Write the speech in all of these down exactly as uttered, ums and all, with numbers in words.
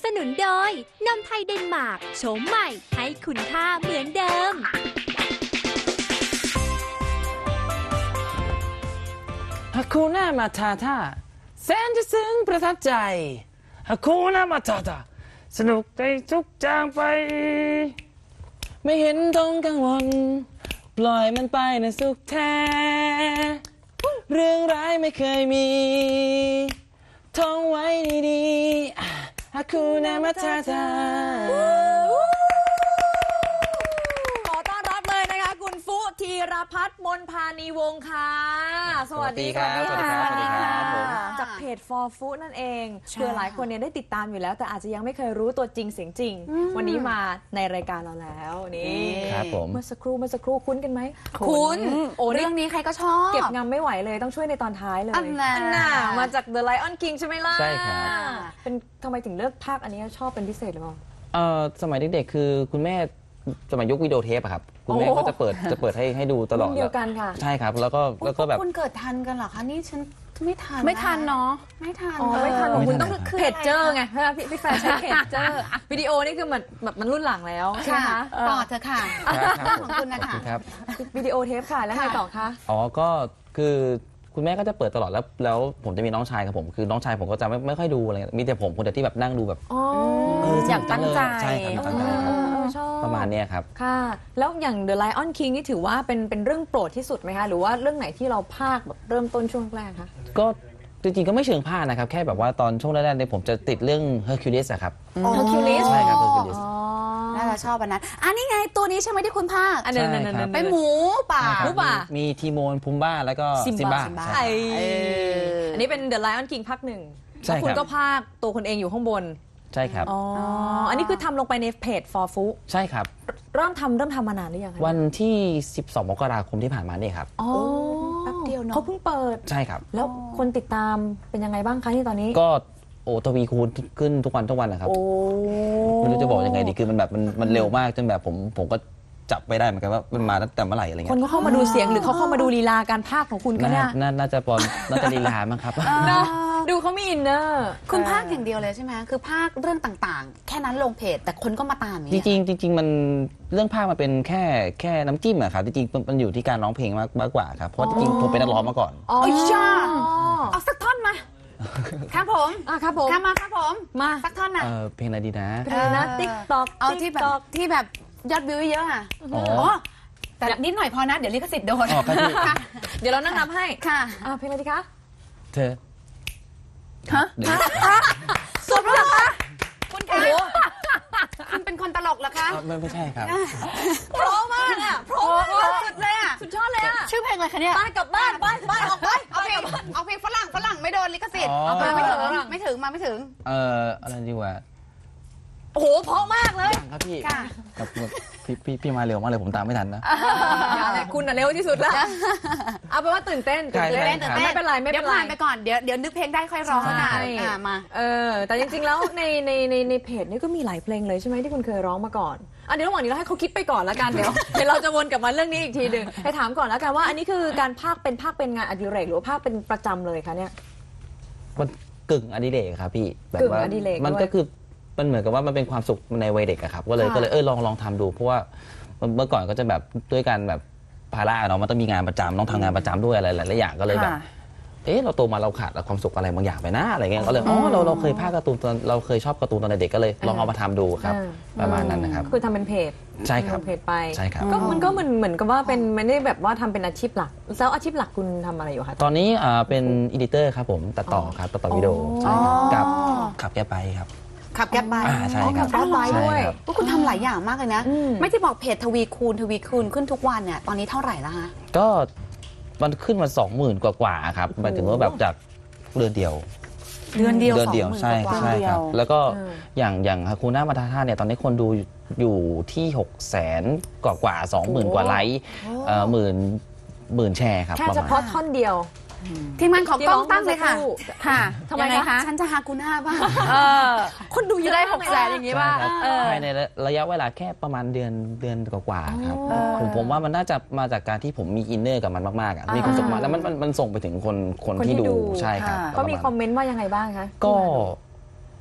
สนุนโดยนมไทยเดนมาร์กโฉมใหม่ให้คุณค่าเหมือนเดิมฮาคูน่ามาทาทาแสนจะซึ้งประทับใจฮาคูน่ามาทาทาสนุกใจทุกจางไปไม่เห็นต้องกังวลปล่อยมันไปนะสุขแท้เรื่องร้ายไม่เคยมีท่องไว้ดีๆฮาคูน่ามาทาทาขอต้อนรับเลยนะคะคุณฟุธีรพัฒน์มนพานีวงศ์ค่ะสวัสดีค่ะสวัสดีครับสวัสดีครับผมจากเพจ for Food นั่นเองเผื่อหลายคนเนี่ยได้ติดตามอยู่แล้วแต่อาจจะยังไม่เคยรู้ตัวจริงเสียงจริงวันนี้มาในรายการเราแล้วนี่ครับผมเมื่อสักครู่เมื่อสักครู่คุ้นกันไหมคุณโอ้เรื่องนี้ใครก็ชอบเก็บงำไม่ไหวเลยต้องช่วยในตอนท้ายเลยอันน่ะน่ะมาจาก The Lion King ใช่ไหมล่ะใช่ครับเป็นทำไมถึงเลือกภาคอันนี้ชอบเป็นพิเศษหรือเปล่าเอ่อสมัยเด็กๆคือคุณแม่สมัยยุควิดีโอเทปอะครับคุณแม่โอ้ก็จะเปิดจะเปิดให้ให้ดูตลอดรุ่นเดียวกันค่ะใช่ครับแล้วก็แล้วก็แบบคุณเกิดทันกันเหรอคะนี่ฉันไม่ทันไม่ทันเนาะไม่ทันอ๋อไม่ทันของไม่ทันคุณต้องครับเพจเจอร์ไงเพราะว่าพี่พี่แฟนใช้เพจเจอร์วิดีโอนี่คือมันแบบมันรุ่นหลังแล้วใช่ไหมค่ะคะต่อเธอะค่ะครับของคุณนะขอบคะคุณครับวิดีโอเทปค่ะแล้วไงต่อคะอ๋อก็คือคุณแม่ก็จะเปิดตลอดแล้วแล้วผมจะมีน้องชายกับผมคือน้องชายผมก็จะไม่ไม่ค่อยดูอะไรมีแต่ผมคนเดียวที่แบบนั่งดูแบบอ๋อเอออยากตั้งใจใช่ครับอยากตั้งใจครับเออชอบประมาณเนี้ยครับค่ะ แล้วอย่าง The Lion King นี่ถือว่าเป็นเป็นเรื่องโปรดที่สุดไหมคะหรือว่าเรื่องไหนที่เราภาคแบบเริ่มต้นช่วงแรกคะก็จริงๆก็ไม่เชิงพลาดนะครับแค่แบบว่าตอนช่วงแรกๆเนี่ยผมจะติดเรื่อง Hercules อะครับ Hercules ใช่ครับ Hercules อ๋อน่าจะชอบอันนั้นอันนี้ไงตัวนี้ใช่ไหมที่คุณภาคอันนั้นใช่นั่นครันั่บนเป็นหมูป่าใช่ครับรู้ป่ะมีมีทีโมนพุมบ้าแล้วก็ซิซิมมบ้าบ้าไอใช่อันนี้เป็น The Lion King ภาคหนึ่งใช่แล้วคุณครับก็ภาคตัวคนเองอยู่ข้างบนใช่ครับอ๋ออันนี้คือทำลงไปในเพจ for Food ใช่ครับเริ่มทำเริ่มทำมานานหรือยังคะวันที่ สิบสอง มกราคมที่ผ่านมาเนี่ยครับอ๋อแป๊บเดียวเนอะเขาเพิ่งเปิดใช่ครับแล้วคนติดตามเป็นยังไงบ้างคะที่ตอนนี้ก็โอ้ทวีคูณขึ้นทุกวันทุกวันนะครับโอ้ไม่รู้จะบอกยังไงดีคือมันแบบมันมันเร็วมากจนแบบผมผมก็จับไม่ได้เหมือนกันว่ามันมาตั้งแต่เมื่อไหร่อะไรคเงี้นยก็เข้ามาดูเสียงหรือเขาเข้ามาดูลีลาการพากย์ของคุณก็น่าเนี่ยน่าน่าจะปอนน่าจะลีลามั้งครับเนอะดูเขามีอินเนอร์คุณภาคอย่างเดียวเลยใช่ไหมคือภาคเรื่องต่างๆ แค่นั้นลงเพจแต่คนก็มาตามอย่างจเงี้ยริงๆจริงๆมันเรื่องภาคมันเป็นแค่แค่น้ำจิ้มอะครับจริงๆมันอยู่ที่การร้องเพลงมากมากกว่าครับเพราะจริงๆผมเป็นนักร้องมาก่อนอ๋อโอ้ยจ้าเอาสักท่อนมาครับผมอ่ะครับผมครับมาครับผมมาสักท่อนน่ะเออเพลงอะไรดีนะเพลงนะ ติ๊กตอกเอาที่แบบที่แบบยอดวิวเยอะๆอ่ะอ๋ออ๋อแต่นิดหน่อยพอนะ เดี๋ยวลิขสิทธิ์โดนอ๋อครับพี่ค่ะเดี๋ยวเรานั่งนับให้ค่ะอ่ะเพลงอะไรดีคะเธอฮะเดี๋ยวสุดแล้วเหรอคะคุณคะคุณเป็นคนตลกเหรอคะอ๋อไม่ไม่ใช่ครับเพราะมากอ่ะเพราะโอ้มากโหสุดเลยอ่ะสุดยอดเลยอ่ะชื่อเพลงอะไรคะเนี่ยบ้านกลับบ้านบ้านบ้านออกไปเอาเพลงเอาเพลงฝรั่งฝรั่งไม่โดนลิขสิทธิ์อ๋อเอามาไม่ถึงไม่ถึงมาไม่ถึงเอออะไรดีกว่าโอ้โหเพราะมากเลยยังครับพี่ค่ะครับพี่พี่พี่มาเร็วมากเลยผมตามไม่ทันนะอย่าเลยคุณน่ะเร็วที่สุดแล้วเอาเป็นว่าตื่นเต้นตื่นเต้นใช่ใช่ไม่เป็นไรไม่เดี๋เป็ยวนไรผ่านไปก่อนเดี๋ยวเดี๋ยวนึกเพลงได้ค่อยร้องใช่นะอ่ามาเออแต่จริงๆแล้วในในในในเพจนี่ก็มีหลายเพลงเลยใช่ไหมที่คุณเคยร้องมาก่อนอ่ะเดี๋ยวระหว่างนี้เราให้เขาคิดไปก่อนแล้วกันเดี๋ยว เดี๋ยวเราจะวนกลับมาเรื่องนี้อีกทีหนึ่งให้ถามก่อนแล้วกันว่า อันนี้คือการพากย์เป็นพากย์เป็นงานอดิเรกหรือว่าพากย์เป็นประจำเลยคะเนี่ยมันกึ่งอดิเรกครับพี่แบบกึ่งว่าอดิเรกมันด้วยก็คือมันเหมือนกับว่ามันเป็นความสุขในวัยเด็กอะครับก็เลยค่ะก็เลยเออลองลองทำดูเพราะว่าเมื่อก่อนก็จะแบบด้วยการแบบภาระเนาะมันต้องมีงานประจำต้องทำงานประจำด้วยอะไรหลายๆอย่างก็เลยแบบค่ะเอ๊ะเราโตมาเราขาดความสุขอะไรบางอย่างไปนะอะไรเงี้ยก็เลยอ๋อเราเราเคยพากย์การ์ตูนตอนเราเคยชอบการ์ตูนตอนเด็กก็เลยลองเอามาทำดูครับอ่าประมาณนั้นนะครับคือทำเป็นเพจใช่ครับทำเพจไปใช่ครับก็มันก็เหมือนเหมือนกับว่าเป็นไม่ได้แบบว่าทำเป็นอาชีพหลักแล้วอาชีพหลักคุณทำอะไรอยู่คะตอนนี้อ่าเป็นอีดิเตอร์ครับผมตัดต่อครับตัดต่อวิดีโอใช่ครับกับขับแกไปครับขับแก๊ปไปอ่าใช่ครับขับแก๊ปไปด้วยใช่ครับว่าคุณทำหลายอย่างมากเลยนะอืมไม่ที่บอกเพจทวีคูณทวีคูณขึ้นทุกวันเนี่ยตอนนี้เท่าไหร่แล้วฮะก็มันขึ้นมาสองหมื่นกว่าๆครับหมายถึงว่าแบบจากเดือนเดียวเดือนเดียวเดือนเดียวสองหมื่นใช่กว่าใช่ครับ แล้วก็อืมอย่างอย่างฮาคูน่ามาทาท่าเนี่ยตอนนี้คนดูอยู่ที่หกแสนกว่ากว่าสองหมื่นกว่าไลค์เอ่อหมื่นหมื่นแชร์ครับแค่ประเฉมาณพาะท่อนเดียวทีมงานของกล้องตั้งเลยค่ะที่ร้องเมื่อสักครู่ค่ะทำไมยังงคะฉันจะฮากุน่าบ้างเออคนดูเยจะอะได้มากหกแสนอย่างนี้ป่ะใช่ครับเออภายในระยะเวลาแค่ประมาณเดือนเดือนกว่าๆครับอ๋อผมผมว่ามันน่าจะมาจากการที่ผมมีอินเนอร์กับมันมากๆอ่ะมีความสุขมากแล้วมันมันมันส่งไปถึงคนคนคนที่ที่ดูดูใช่ครับเขามีประณคอมเมนต์ว่ายังไงบ้างคะก็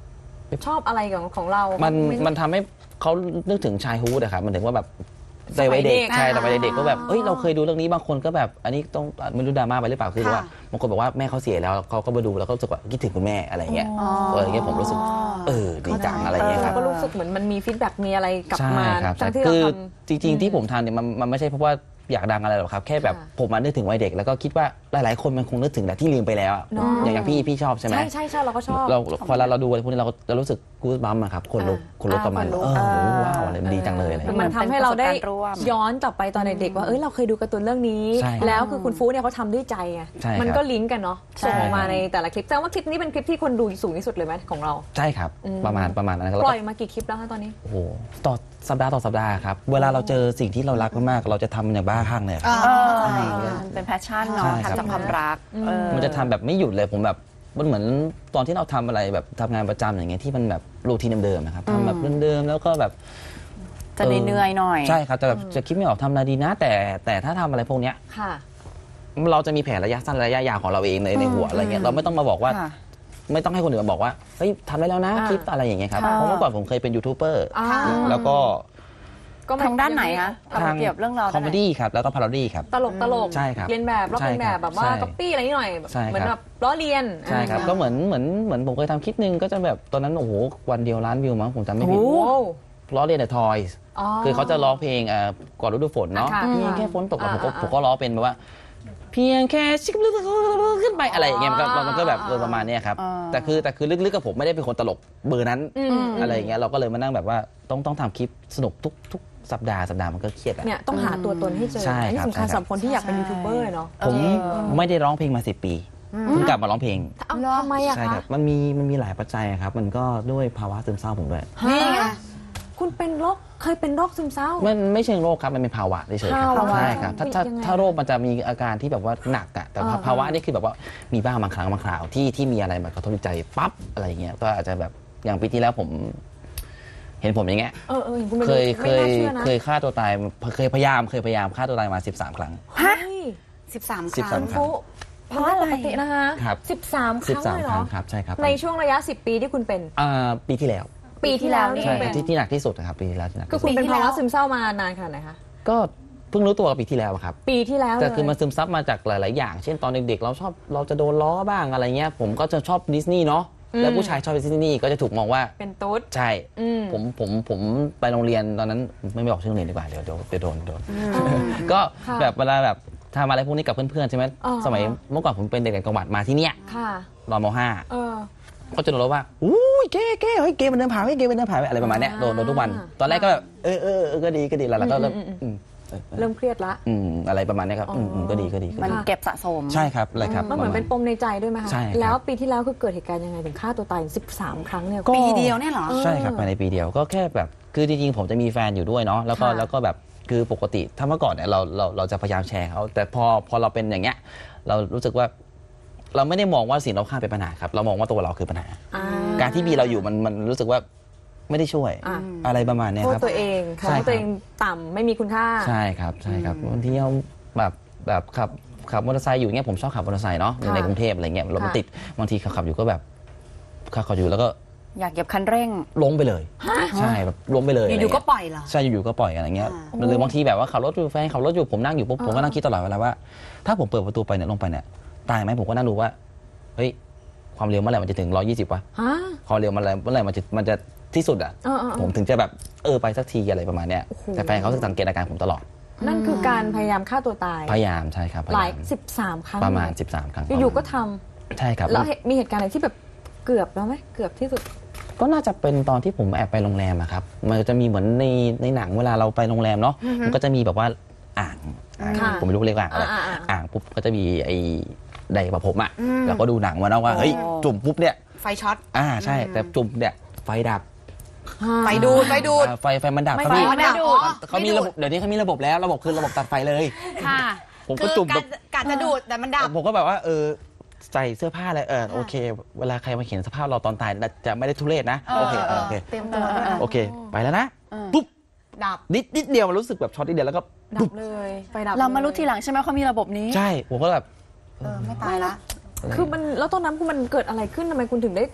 ชอบอะไรของของเรามัมันมันทำให้เขานึกถึงชายฮูดอะครับมันถึงว่าแบบในวัยเด็กสมัยเด็กใช่อ่าแต่วัยเด็กก็แบบเอ้ยเราเคยดูเรื่องนี้บางคนก็แบบอันนี้ต้องไม่รู้ดราม่าไปหรือเปล่าคือว่าบางคนบอกว่าแม่เขาเสียแล้วเขาก็มาดูแล้วก็รู้สึกว่าคิดถึงคุณแม่อะไรเงี้ยเอออย่างเงี้ยผมรู้สึกเออดีจังอะไรเงี้ยครับก็รู้สึกเหมือนมันมีฟีดแบ็กมีอะไรกลับใช่มาครับทั้งที่คืเราอทำจริงๆที่ผมทำเนี่ยมันมันไม่ใช่เพราะว่าอยากดังอะไรหรอกครับแค่แบบค่ะผมมานึกถึงวัยเด็กแล้วก็คิดว่าหลายๆคนมันคงนึกถึงแต่ที่ลืมไปแล้วอะเนอะอย่างอย่างพี่พี่ชอบใช่ไหมใช่ใช่ใช่เราก็ชอบเราพอเราเราดูอะไรพวกนี้เราจะรู้สึกกู๊ดบัมอะครับคนลุกอ่าคนลุกกับมันอ่าเอคนลุกอว้าวอะไรมันดีจังเลยอะไรมัเงี้ยนทำให้เราได้เป็นประสบการณ์ร่วมย้อนกลับไปตอนเด็กๆว่าเอ้ยเราเคยดูการ์ตูนเรื่องนี้ใช่ครับแล้วคือคุณฟูเนี่ยเขาทำด้วยใจไงใช่ครับมันก็ลิงก์กันเนาะใช่ส่งออกมาในแต่ละคลิปแต่ว่าคลิปนี้เป็นคลิปที่คนดูสูงที่สุดเลยไหมของเราใช่ครับอืมประมาณประมาณนั้นครับปแล้วล่ก็อยมากี่คลิปแล้วคะตอนนี้โอ้โหต่อสัปดาห์ต่อสัปดาห์ครับเวลาเราเจอสิ่งที่เรารักมากๆเราจะทำอย่างบ้าคลั่งเลยครับเออมันเป็นแพชชั่นเนาะใช่ครับทำจากความรักเออมันจะทำแบบไม่หยุดเลยผมแบบมันเหมือนตอนที่เราทำอะไรแบบทำงานประจำอย่างเงี้ยที่มันแบบรูทีนเดิมๆนะครับทำแบบเดิมๆแล้วก็แบบจะเหนื่อยๆหน่อยใช่ครับแต่แบบจะคิดไม่ออกทำอะไรดีนะ แต่แต่ถ้าทำอะไรพวกเนี้ยค่ะเราจะมีแผนระยะสั้นระยะยาวของเราเองในในหัวอะไรเงี้ยเราไม่ต้องมาบอกว่าค่ะไม่ต้องให้คนอื่นมาบอกว่าเฮ้ยทำได้แล้วนะอ่าคลิปอะไรอย่างเงี้ยครับค่ะเพราะเมื่อก่อนผมเคยเป็นยูทูบเบอร์อ่าแล้วก็ก็มัทางด้านไหนคะทางเปรียบเรื่องราวคอมเมดี้ครับแล้วก็พาราดี้ครับตลกตลกใช่ครับเรียนแบบลอกใช่เรียนแบบแบบว่าใช่ก๊อปปี้อะไรนิดหน่อยใช่ครับเหมือนแบบล้อเลียนใช่ครับอ่าก็เหมือนเหมือนเหมือนผมเคยทำคลิปหนึงก็จะแบบตอนนั้นโอ้โหวันเดียวล้านวิวมั้งผมจำไม่ผิดโอ้โหล้อเลียนแต่ทอยส์ คือเขาจะร้องเพลงเอ่อก่อนฤดูฝนเนาะค่ะเพียงแค่ฝนตกแล้วผมก็อ่าอ่าผมก็ร้องเป็นแบบว่า เพียงแค่ชิคขึ้นไปอะไรอย่างเงี้ยมันก็มันก็แบบเออประมาณเนี้ยครับอ่าแต่คือแต่คือลึกๆกับผมไม่ได้เป็นคนตลกเบอร์นั้นอืมอะไรอย่างเงี้ยเราก็เลยมานั่งแบบว่าต้องต้องทำคลิปสนุกทุกทุกสัปดาห์สัปดาห์มันก็เครียดอะเนี่ยต้องหาตัวตนให้เจอใช่อันนี้ครับสำคัญใช่ครับสำหรับคนที่อยากเป็นยูทูบเบอร์เนาะผมไม่ได้ร้องเพลงมาสิบปีเพิ่งกลับมาร้องเพลงเอาทำไมอะใช่คคะรับมันมีมันมีหลายปัจจัยครับมันก็ด้วยภาวะซึมเศร้าผมด้วยนี่ไงคุณเป็นโรคเคยเป็นโรคซึมเศร้ามันไม่เชิงโรคครับมันเป็นภาวะเฉยๆครับภาวะใช่ครับถ้าถ้ายังไงถ้าโรคมันจะมีอาการที่แบบว่าหนักอะแต่ว่าอ่าภาวะนี่คือแบบว่ามีบ้างบางครั้งบางคราวที่ที่มีอะไรมากระทบจิตใจปั๊บอะไรอย่างเงี้ยก็อาจจะแบบอย่างปีที่แล้วผม เห็นผมอย่างเงี้ยเออเอออย่างคุณไม่เครู้ยไม่เคยน่าเชื่อนะเคยฆ่าตัวตายเคยพยายามเคยพยายามฆ่าตัวตายมาสิบสามครั้งเฮ้ยสิบสามคสิบรั้สาง มโอ้เพราะอะไรปกตินะคะครับสิบสามคสิบรั้งสามเลยเหครรั้องครับใช่ครับในช่วงระยะสิบปีที่คุณเป็นอ่าปีที่แล้วปีที่แล้วนี่ใช่คุณคเป็รับนที่ที่หนักที่สุดนะครับปีที่แล้วที่หนักคือที่คุสุณดเป็นภาวะซึมเศร้ามานานขนาดไหนคะก็เพิ่งรู้ตัวกับปีที่แล้วอะครับปีที่แล้วแต่เลยคือมันซึมซับมาจากหลาย ๆ อย่าง เช่นตอนเด็ก ๆ เราชอบเราจะโดนล้อบ้างอะไรเงี้ย ผมก็จะชอบดิสนีย์เนาะ แล้วผู้ชายชอบดิสนีย์ก็จะถูกมองว่าเป็นตุ๊ดใช่อืมผมผมผมไปโรงเรียนตอนนั้นไม่บอกชื่อโรงเรียนดีกว่าเดี๋ยวเดี๋ยวเดี๋ยวโดนโดน ก็ค่ะแบบเวลาแบบทำอะไรพวกนี้กับเพื่อน ๆ ใช่ไหมอ่าสมัยเมื่อก่อนผมเป็นเด็กต่างจังหวัดมาที่เนี้ยค่ะรอมห้าเออก็จะโดนล้อว่าอุ้ยเก้เก้เฮ้ยเก้มันเดินผ่านเฮ้ยเก้มันเดินผ่านอะไรประมาณเนี้ยโดนโดนทุกวัน ตอนแรกก็แบบเออเออเออก็ดีก็ดีแล้วเราก็เริ่มอืมอืมอืมเออเออเริ่มเครียดละอืมอะไรประมาณเนี้ยครับอืมอืมก็ดีก็ดีก็มันดีเก็บสะสมใช่ครับอะไรครับมันเหมือนเป็นปมในใจด้วยไหมคะใช่ครับแล้วปีที่แล้วคือเกิดเหตุการณ์ยังไงถึงฆ่าตัวตายถึงสิบสามครั้งเนี่ยก็ปีเดียวเนี่ยเหรอใช่ครับภายในปีเดียวก็แค่แบบคือจริงๆผมจะมีแฟนอยู่ด้วยเนาะแล้วก็ค่ะแล้วก็แบบคือปกติถ้าเมื่อก่อนเนี่ยเราเราเราจะพยายามแชร์เขาแต่พอพอเราเป็นอย่างเงี้ยเรารู้สึกว่าเราไม่ได้มองว่าสิ่งรอบข้างเป็นปัญหาครับเรามองว่าตัวเราคือปัญหาอ่าการที่มีเราอยู่มันมันรู้สึกว่าไม่ได้ช่วยอ่ะอะไรประมาณเนี้ยโทษครับตัวเองมใช่องครับว่าตัวเองต่ำไม่มีคุณค่าใช่ครับใช่ครับบางทีเราแบบแบบขับขับมอเตอร์ไซค์อยู่เงี้ยผมชอบขับมอเตอร์ไซค์เนาะอยู่ในกรุงเทพอะไรเงี้ยรถมันติดบางทีขับขับอยู่ก็แบบขับขับอยู่แล้วก็อยากเหยียบคันเร่งล้มไปเลยใช่แบบล้มไปเลยอยู่ๆก็ะไรเงี้ปล่อยเหรอใช่อยู่ๆก็ปล่อยอะไรเงี้ยอ่าหรือบางทีแบบว่าขับรถอยู่แฟนขับรถอยู่ผมนั่งอยู่ปุ๊บผมก็นั่งคิดตลอดเวลาว่า ถ้าผมเปิดประตูไปเนี่ยลงไปเนี่ยตายไหมผมก็นั่งดูว่าเฮ้ยความเร็วเมื่อไหร่มันจะถึงร้อยยี่สิบวะฮะความเร็วมันอะไรเมื่อไหร่มันจะมันจะที่สุดอ่ะเออเออเออผมถึงจะแบบเออไปสักทีอะไรประมาณเนี้ยโอ้โหแต่แฟนเขาสังเกตอาการผมตลอดนั่นคือการพยายามฆ่าตัวตายพยายามใช่ครับพหลายยายามสิบสามครั้งประมาณเลยสิบสามครั้งอยู่ๆก็ทใช่ครับำแล้วเหตุมีเหตุการณ์อะไรที่แบบเกือบแล้วไหมเกือบที่สุดก็น่าจะเป็นตอนที่ผมแอบไปโรงแรมอะครับมันจะมีเหมือนในในหนังเวลาเราไปโรงแรมเนาะมันก็จะมีแบบว่าอ่างอ่างค่ะผมไม่รู้เรียกว่าอ่างอะไรอ่าอ่าอ่าอ่างปุ๊บก็จะมีไอ้ไดร์ประผมอะอืมแล้วก็ดูหนังมาเนาะว่าเฮ้ยโอ้จุ่มปุ๊บเนี่ยไฟช็อตอ่าใช่ แต่จุ่มเนี่ยไฟดับไฟดูดไฟดูดอ่าไฟไฟมันดับไม่ครับพี่ไฟมันดับอ๋อเขามีระบบเดี๋ยวนี้เขามีระบบแล้วระบบคือระบบตัดไฟเลยค่ะผมก็จุ่มคือการกะจะดูดแต่มันดับผมก็แบบว่าเออใส่เสื้อผ้าอะไรเออโอเค เวลาใครมาเห็นสภาพเราตอนตายจะไม่ได้ทุเรศนะโอเคเออโอเคเต็มตัวด้วยโอเคไปแล้วนะเออปุ๊บดับนิดนิดเดียวมันรู้สึกแบบช็อตนิดเดียวแล้วก็ดัปุ๊บบ เลยไฟดับเรามารู้ลยทีหลังใช่ไหมเขามีระบบนี้ใช่ผมก็แบบเออไม่ตายละคือมันแล้วตอนนั้นคือมันเกิดอะไรขึ้นทำไมคุณถึงได้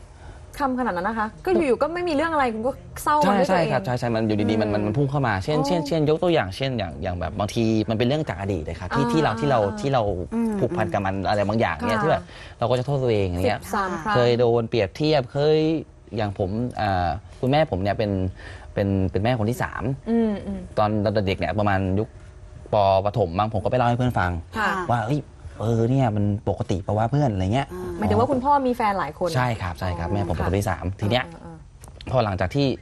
คำขนาดนั้นนะคะ ก็อยู่ๆก็ไม่มีเรื่องอะไรคุณก็เศร้าใช่ด้วยตัวใช่เองครับใช่ใช่มันอยู่ดีๆมันมันมันพุ่งเข้ามาเช่นเช่นเช่นยกตัวอย่างเช่นอย่างอย่างแบบบางทีมันเป็นเรื่องจากอดีตเลยครับที่อ่าที่เราที่เราอ่าที่เราผูกพันกับมันอะไรบางอย่างเนี่ยค่ะที่แบบเราก็จะโทษตัวเองอย่างสิเงี้ยบสามครั้งเคยโดนเปรียบเทียบเคยอย่างผมอ่าคุณแม่ผมเนี่ยเป็นเป็นเป็นแม่คนที่สามอืมอืมตอนเด็กเนี่ยประมาณยุคปประถมบางผมก็ไปเล่าให้เพื่อนฟังค่ะว่าเฮ้ยเออเนี่ยมันปกติปะว่าเพื่อนอะไรเงี้ยหมายถึงว่าคุณพ่อมีแฟนหลายคนใช่ครับใช่ครับแม่ผมเป็นคนที่สามทีเนี้ยอ่าพอหลังจากที่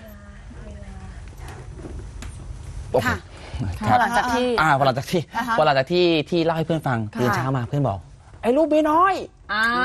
โอเคค่ะคพรัอบ หลังจากที่อ่าพอหลังจากที่อ่าฮะพอหลังจากที่ที่เล่าให้เพื่อนฟังค่ะตื่นเช้ามาเพื่อนบอก ไอ้ลูกเมียน้อยอ้าว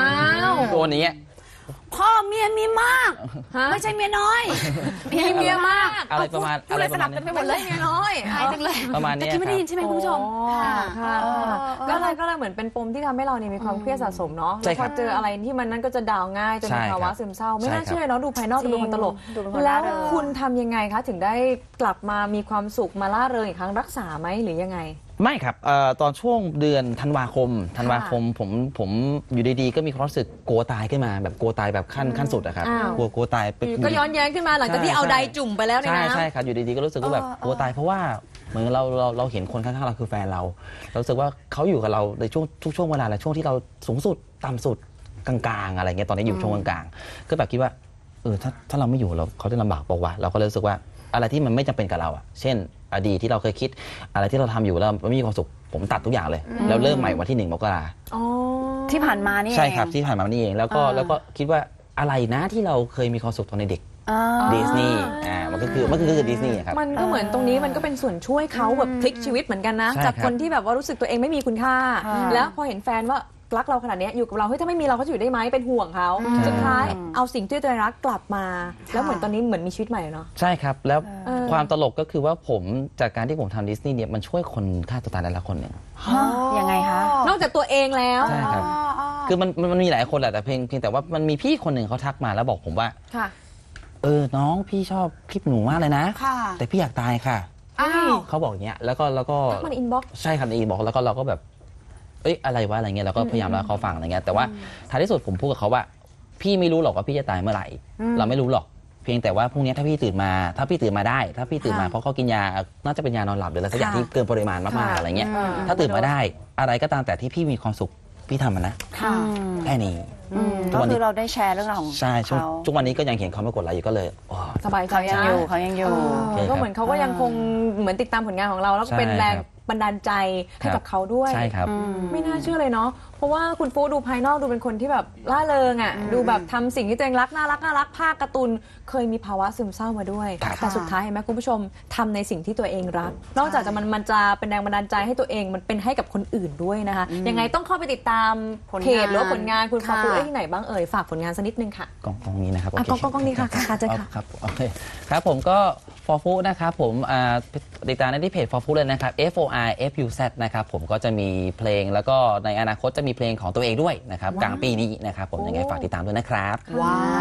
โดนอย่างเงี้ยพ่อเมียมีมากฮะไม่ใช่เมียน้อยมีเมียมากอะไรประมาณพูดอะไรเลยปสระลัมาบณกันไปนี้หมดเลยเมียน้อยหายจังเลยประมาณแต่เนี้ยที่ไม่ได้ยินใช่ไหมคุณผู้ชมค่ะค่ะเออก็เลยก็เลยเหมือนเป็นปมที่ทำให้เราเนี่ยมีความเครียดสะสมเนาะใช่แล้วคพรัอบ เจออะไรที่มันนั่นก็จะดาวน์ง่ายจนใช่มีครับภาวะซึมเศร้า ไม่ใช่น่าครับเชื่อเนาะดูภายนอกดูเป็นคนตลกดูเป็นคนแล้วร่าเริงคุณทำยังไงคะถึงได้กลับมามีความสุขมาล่าเริงอีกครั้งรักษาไหมหรือยังไงไม่ครับเอ่อตอนช่วงเดือนธันวาคมธันวาคมผมผมอยู่ดีๆก็มีความรู้สึกกลัวตายขึ้นมาแบบกลัวตายแบบขั้นขั้นสุดอะครับอ้าวกลัวกลัวตายไปก็ย้อนแย้งขึ้นมาหลังจากที่เอาใดจุ่มไปแล้วในใช่น้ำใช่ครับอยู่ดีๆก็รู้สึกว่าแบบกลัวตายเพราะว่าเหมือนเราเราเราเห็นคนข้างๆเราคือแฟนเราเรารู้สึกว่าเขาอยู่กับเราในช่วงทุกช่วงเวลาแหละช่วงที่เราสูงสุดต่ำสุดกลางๆอะไรเงี้ยตอนนี้อยู่ช่วงกลางๆก็แบบคิดว่าเออถ้าถ้าเราไม่อยู่เราเขาจะลำบากเปล่าวะเราก็เลยรู้สึกว่าอะไรที่มันไม่จำเป็นกับเราอะเช่น อดีตที่เราเคยคิดอะไรที่เราทำอยู่แล้วไม่มีความสุขผมตัดทุกอย่างเลย แล้วเริ่มใหม่วันที่หนึ่งมกราอ๋อที่ผ่านมานี่ใช่ครับเองที่ผ่านมานี่เองแล้วก็อ่าแล้วก็คิดว่าอะไรนะที่เราเคยมีความสุขตอนเด็กอ่าดิสนีย์อ่ามันก็คือมันก็คือดิสนีย์ครับมันก็เหมือนตรงนี้มันก็เป็นส่วนช่วยเขาแบบพลิกชีวิตเหมือนกันนะใช่จากครับคนที่แบบว่ารู้สึกตัวเองไม่มีคุณค่าค่ะแล้วพอเห็นแฟนว่ารักเราขนาดเนี้ยอยู่กับเราเฮ้ยถ้าไม่มีเราเขาจะอยู่ได้ไหมเป็นห่วงเขาอืมสุดท้ายเอาสิ่งที่ตัวเองรักกลับมา แล้วเหมือนตอนนี้เหมือนมีชีวิตใหม่เนาะใช่ครับ แล้วเออความตลกก็คือว่าผมจากการที่ผมทำดิสนีย์เนี่ยมันช่วยคนฆ่าตัวตายได้ละคนหนึ่งฮะยังไงคะนอกจากตัวเองแล้วใช่ครับอ๋อคือมันมันมันมีหลายคนแหละแต่เพียงเพียงแต่ว่ามันมีพี่คนหนึ่งเขาทักมาแล้วบอกผมว่าค่ะเออน้องพี่ชอบคลิปหนูมากเลยนะค่ะแต่พี่อยากตายค่ะอ้าวเขาบอกอย่างเงี้ยแล้วก็แล้วก็ทักมันอินบ็อกซ์ใช่ครับในอินบอกแล้วก็เราก็แบบ เอ้ยอะไรวะอะไรเงี้ยเราก็พยายามเล่าให้เขาฟังอะไรเงี้ยแต่ว่าท้ายที่สุดผมพูดกับเขาว่า พี่ไม่รู้หรอกว่าพี่จะตายเมื่อไหร่ เราไม่รู้หรอก เพียงแต่ว่าพรุ่งนี้ถ้าพี่ตื่นมา ถ้าพี่ตื่นมาได้ ถ้าพี่ตื่นมาค่ะเพราะเขากินยาน่าจะเป็นยานอนหลับหรืออะไรสักอย่างค่ะที่เกินปริมาณมากๆอะไรเงี้ยอืมถ้าตื่นมาได้ อะไรก็ตามแต่ที่พี่มีความสุขพี่ทำมันนะค่ะแค่นี้อืมทุกก็วันนี้คือเราได้แชร์เรื่องราวของใช่ช่วงเขาทุกวันนี้ก็ยังเห็นเขามากดไลค์อยู่ก็เลยอ๋อสบายใจเขายังนะอยู่เขายังอยู่เออก็เหมือนเขาก็ยังคงเหมือนติดตามผลงานของเราแล้วก็ใช่เป็นแรงครับบันดาลใจให้ครับกับเขาด้วยใช่ครับไม่น่าเชื่อเลยเนาะ เพราะว่าคุณฟูดูภายนอกดูเป็นคนที่แบบล่าเริงอ่ะ ดูแบบทำสิ่งที่ตัวเองรักน่ารักน่ารักภาคการ์ตูนเคยมีภาวะซึมเศร้ามาด้วยครับแต่สุดท้ายเห็นไหมคุณผู้ชมทำในสิ่งที่ตัวเองรัก นอกจากจะมันมันจะเป็นแรงบันดาลใจให้ตัวเองมันเป็นให้กับคนอื่นด้วยนะคะ ยังไงต้องเข้าไปติดตามผลงานเพจหรือว่าผลงานคุณฟาฟูค่ะเอ้ยที่ไหนบ้างเอ่ยฝากผลงานสักนิดนึงค่ะกล้องกล้องนี้นะครับอ่ะโเคกล้องกล้องกล้องนี้ค่ะค่ะค่ะเจอค่ะครับโอเคครับผมก็ for food นะครับผมอ่าติดตามได้ที่เพจ for food เลยนะครับ F O R F U Z นะครับผมก็จะมีเพลงแล้วก็ในอนาคตจะมีเพลงของตัวเองด้วยนะครับกลางปีนี้นะครับผมยังไงฝากติดตามด้วยนะครับว้าว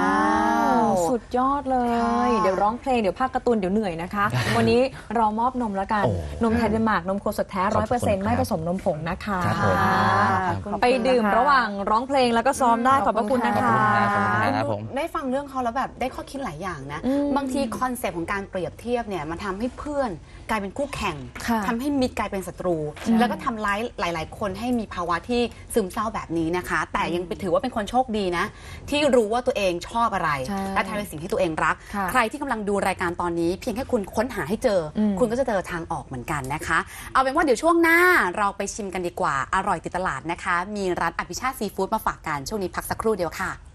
สุดยอดเลย เดี๋ยวร้องเพลงเดี๋ยวภาคการ์ตูนเดี๋ยวเหนื่อยนะคะ วันนี้เรามอบนมแล้วกันโอ้นมไทยเดนมาร์กนมโคสดแท้ขร้ออบ ยคุเปอร์เซ็นณต์ครับไม่ผสมนมผงนะคะครับผมขอบคุณไปดื่มนะคะระหว่างร้องเพลงแล้วก็ซ้อมได้ขอบพระคุณนะขอบคะคุณครับขอบคุณครับผมได้ฟังเรื่องเขาแล้วแบบได้ข้อคิดหลายอย่างนะอืมบางทีคอนเซปต์ของการเปรียบเทียบเนี่ยมันทำให้เพื่อนกลายเป็นคู่แข่งค่ะทำให้มิตรกลายเป็นศัตรู แล้วก็ทำร้ายหลาย ๆ คนให้มีภาวะที่ซึมเศร้าแบบนี้นะคะ แต่ยังถือว่าเป็นคนโชคดีนะ ที่รู้ว่าตัวเองชอบอะไรใช่และทำในสิ่งที่ตัวเองรักค่ะใครที่กำลังดูรายการตอนนี้เพียงแค่คุณค้นหาให้เจออมคุณก็จะเจอทางออกเหมือนกันนะคะ เอาเป็นว่าเดี๋ยวช่วงหน้าเราไปชิมกันดีกว่าอร่อยติดตลาดนะคะ มีร้านอภิชาติซีฟู้ดมาฝากกันช่วงนี้พักสักครู่เดียวค่ะ